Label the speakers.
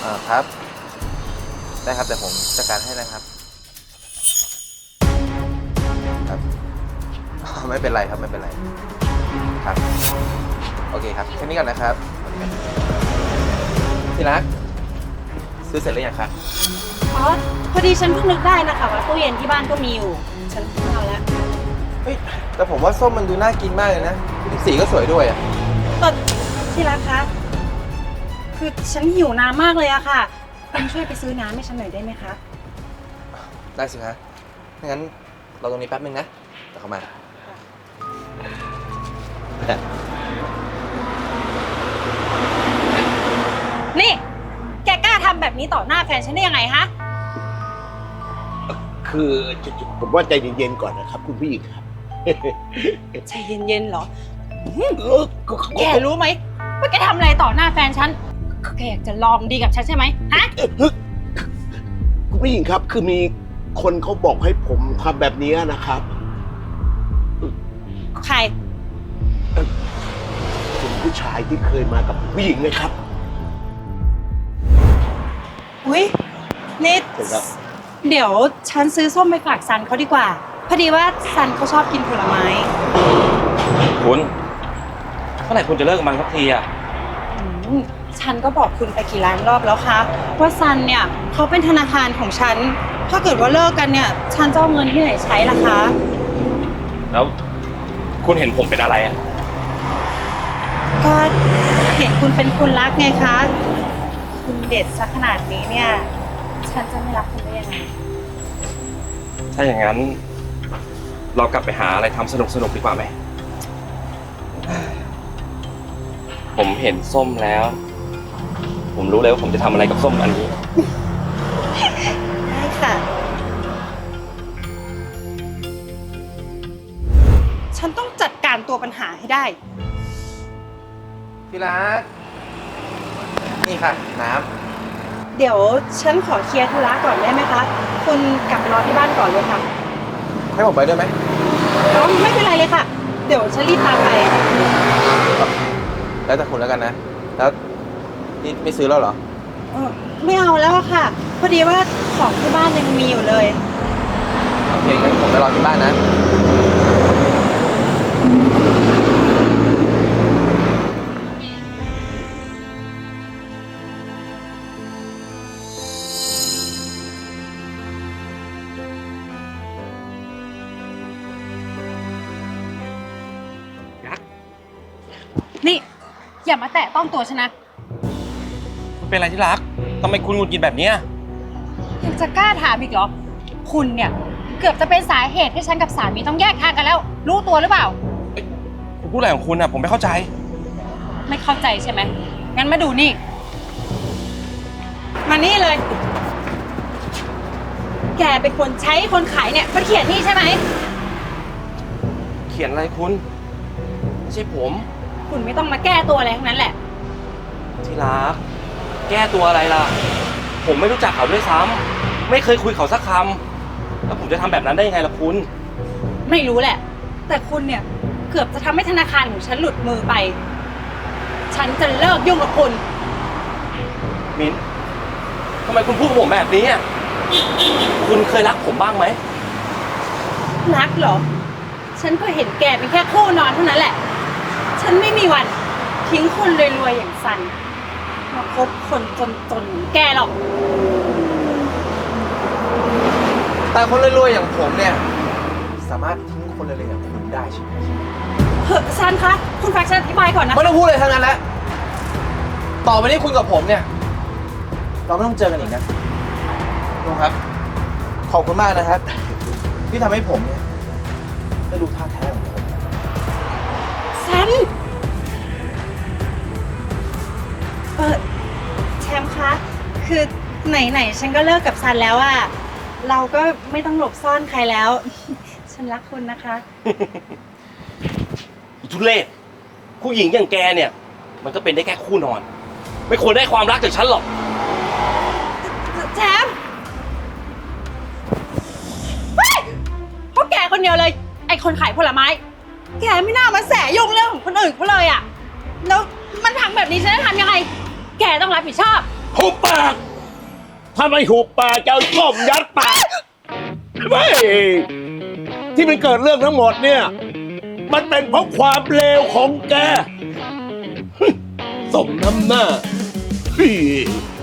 Speaker 1: ครับได้ครับแต่ผมจัดการให้นะครับครับไม่เป็นไรครับไม่เป็นไรครับโอเคครับแค่นี้ก่อนนะครับที่รักซื้อเสร็จหรือยังครับ
Speaker 2: อ๋อพอดีฉันเพิ่งนึกได้นะคะว่าตู้เย็นที่บ้านก็มีอยู่ฉันเอาแล้ว
Speaker 1: เฮ้ยแต่ผมว่าส้มมันดูน่ากินมากเลยนะสีก็สวยด้วยอ่ะ
Speaker 2: แต่ที่รักคะคือฉันหิวน้ำมากเลยอะค่ะคุณช่วยไปซื้อน้ำให้ฉันหน่อยได้ไหมคะ
Speaker 1: ได้สิคะงั้นเราตรงนี้แป๊บนึงนะเดี๋ยวเข้ามา
Speaker 2: นี่แกกล้าทำแบบนี้ต่อหน้าแฟนฉันได้ยังไงฮะ
Speaker 3: คือผมว่าใจเย็นๆก่อนนะครับคุณผู้หญิงครับ
Speaker 2: ใจเย็นๆเหรอแกรู้ไหมว่าแกทำอะไรต่อหน้าแฟนฉันแกอยากจะลองดีกับฉันใช่ไหมฮะ
Speaker 3: คุณผู้หญิงครับคือมีคนเขาบอกให้ผมทำแบบนี้นะครับ
Speaker 2: ใคร
Speaker 3: คุณผู้ชายที่เคยมากับผู้หญิงนะครับ
Speaker 2: อุ๊ยนี่เดี๋ยวฉันซื้อส้มไปฝากซันเขาดีกว่าพอดีว่าซันเขาชอบกินผลไม้
Speaker 1: คุณเมื่อไหร่คุณจะเลิกกับมันสักทีอ่ะ
Speaker 2: ฉันก็บอกคุณไปกี่ล้านรอบแล้วคะว่าซันเนี่ยเขาเป็นธนาคารของฉันถ้าเกิดว่าเลิกกันเนี่ยฉันจะเอาเงินที่ไหนใช้ล่ะคะ
Speaker 1: แล้วคุณเห็นผมเป็นอะไรอ่ะ
Speaker 2: ก็เห็นคุณเป็นคนรักไงคะคุณเด็ดซะขนาดนี้เนี่ยฉันจะไม่รักคุณได้ยังไง
Speaker 1: ถ้าอย่างนั้นเรากลับไปหาอะไรทำสนุกดีกว่าไหมผมเห็นส้มแล้วผมรู้เลยว่าผมจะทำอะไรกับส้มอันนี้
Speaker 2: ได้ค่ะฉันต้องจัดการตัวปัญหาให้ได้
Speaker 1: พี่รักนี่ค่ะน้
Speaker 2: ำเดี๋ยวฉันขอเคลียร์ธุระก่อนได้ไหมคะคุณกลับไปรอที่บ้านก่อนเลยค่ะ
Speaker 1: ให้ผมไปด้วยไหม
Speaker 2: ไม่เป็นไรเลยค่ะเดี๋ยวฉันรีบตามไป
Speaker 1: แล้วแต่คุณแล้วกันนะแล้วนี่ไม่ซื้อแล้วเหรอ
Speaker 2: ไม่เอาแล้วค่ะพอดีว่าของที่บ้านยังมีอยู่เลย
Speaker 1: โอเคงั้นผมไปรอที่บ้านนะ
Speaker 2: นี่อย่ามาแตะต้องตัวฉันนะ
Speaker 1: เป็นอะไรที่รักทำไมคุณหงุดหงิดแบบนี้
Speaker 2: ยังจะกล้าถามอีกเหรอคุณเนี่ยเกือบจะเป็นสาเหตุให้ฉันกับสามีต้องแยกทางกันแล้วรู้ตัวหรือเปล่า
Speaker 1: คุณพูดอะไรของคุณอ่ะผมไม่เข้าใจ
Speaker 2: ไม่เข้าใจใช่ไหมงั้นมาดูนี่มานี่เลยแกเป็นคนใช้คนขายเนี่ยมาเขียนนี่ใช่ไหม
Speaker 1: เขียนอะไรคุณไม่ใช่ผม
Speaker 2: คุณไม่ต้องมาแก้ตัวอะไรทั้งนั้นแหละ
Speaker 1: ที่รักแก้ตัวอะไรล่ะผมไม่รู้จักเขาด้วยซ้ำไม่เคยคุยเขาสักคำแล้วผมจะทำแบบนั้นได้ยังไงล่ะคุณ
Speaker 2: ไม่รู้แหละแต่คุณเนี่ยเกือบจะทำให้ธนาคารของฉันหลุดมือไปฉันจะเลิกยุ่งกับคุณ
Speaker 1: มิ้นทำไมคุณพูดกับผมแบบนี้อ่ะคุณเคยรักผมบ้างไหม
Speaker 2: รักเหรอฉันก็เห็นแกเป็นแค่คู่นอนเท่านั้นแหละฉันไม่มีวันทิ้งคนรวยๆอย่างซันมาคบคนจนๆอย่างแกหรอก
Speaker 1: แต่คนรวยๆอย่างผมเนี่ยสามารถทิ้งคนรวยๆอย่างคุณได้ใช่ไหม
Speaker 2: เฮ้ยซันคะคุณฟังฉันอธิบายก่อนนะ
Speaker 1: ไม่ต้องพูดเลยทั้งนั้นแล้วต่อไปนี้คุณกับผมเนี่ยเราไม่ต้องเจอกันอีกนะลุงครับขอบคุณมากนะครับที่ทำให้ผมเนี่ยได้รู้ท่าแท้ของผม
Speaker 2: ซันแชมป์คะคือไหนฉันก็เลิกกับซันแล้วอะเราก็ไม่ต้องหลบซ่อนใครแล้วฉันรักคุณนะคะ
Speaker 1: ทุเรศผู้หญิงอย่างแกเนี่ยมันก็เป็นได้แค่คู่นอนไม่ควรได้ความรักจากฉันหรอก
Speaker 2: แชมป์เพราะแกคนเดียวเลยไอ้คนขายผลไม้แกไม่น่ามาแสยุ่งเรื่องของคนอื่นเขาเลยอะแล้วมันพังแบบนี้ฉันจะทำยังไงแกต้องรับผิดชอบ
Speaker 1: หุบปาก
Speaker 3: ถ้าไม่หุบปากจะเอาส้มยัดปากไม่ที่มันเกิดเรื่องทั้งหมดเนี่ย มันเป็นเพราะความเลวของแกสมน้ำหน้า